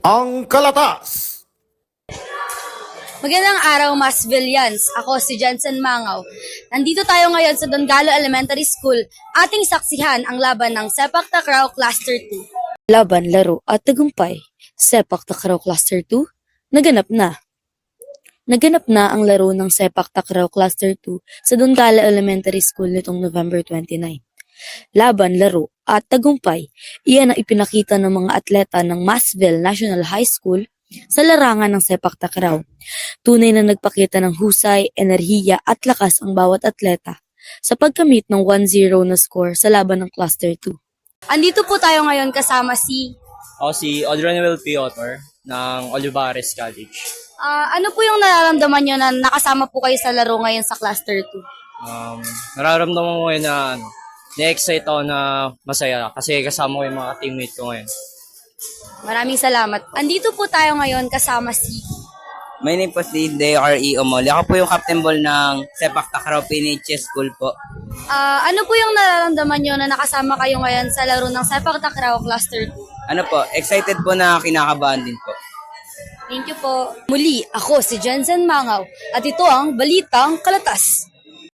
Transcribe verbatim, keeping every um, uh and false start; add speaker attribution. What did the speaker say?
Speaker 1: Ang Kalatas.
Speaker 2: Magandang araw, Masvillians. Ako si Jensen Mangaw. Nandito tayo ngayon sa Don Galo Elementary School. Ating saksihan ang laban ng Sepak Takraw Cluster two.
Speaker 3: Laban, laro at tagumpay. Sepak Takraw Cluster two, naganap na. Naganap na ang laro ng Sepak Takraw Cluster two sa Don Galo Elementary School nitong November twenty-ninth. Laban, laro at tagumpay, iyan ang ipinakita ng mga atleta ng Masville National High School sa larangan ng Sepak Takraw. Tunay na nagpakita ng husay, enerhiya at lakas ang bawat atleta sa pagkamit ng one zero na score sa laban ng Cluster two.
Speaker 2: Andito po tayo ngayon kasama si...
Speaker 4: Ako si Audronewell P. Otor ng Olivares College.
Speaker 2: Ah, ano po yung nararamdaman nyo na nakasama po kayo sa laro ngayon sa Cluster two?
Speaker 4: Um, nararamdaman ko ngayon na ano, na-excite ako na masaya kasi kasama ko yung mga teammate ko ngayon.
Speaker 2: Maraming salamat. Andito po tayo ngayon kasama si...
Speaker 5: My name po si Deo R E. Omoli. Ako po yung captain ball ng Sepak Takraw P N H S School po.
Speaker 2: Ah, ano po yung nararamdaman nyo na nakasama kayo ngayon sa laro ng Sepak Takraw Cluster two?
Speaker 5: Ano po, excited po na kinakabahan din po.
Speaker 2: Thank you po. Muli, ako si Jensen Mangaw at ito ang Balitang Kalatas.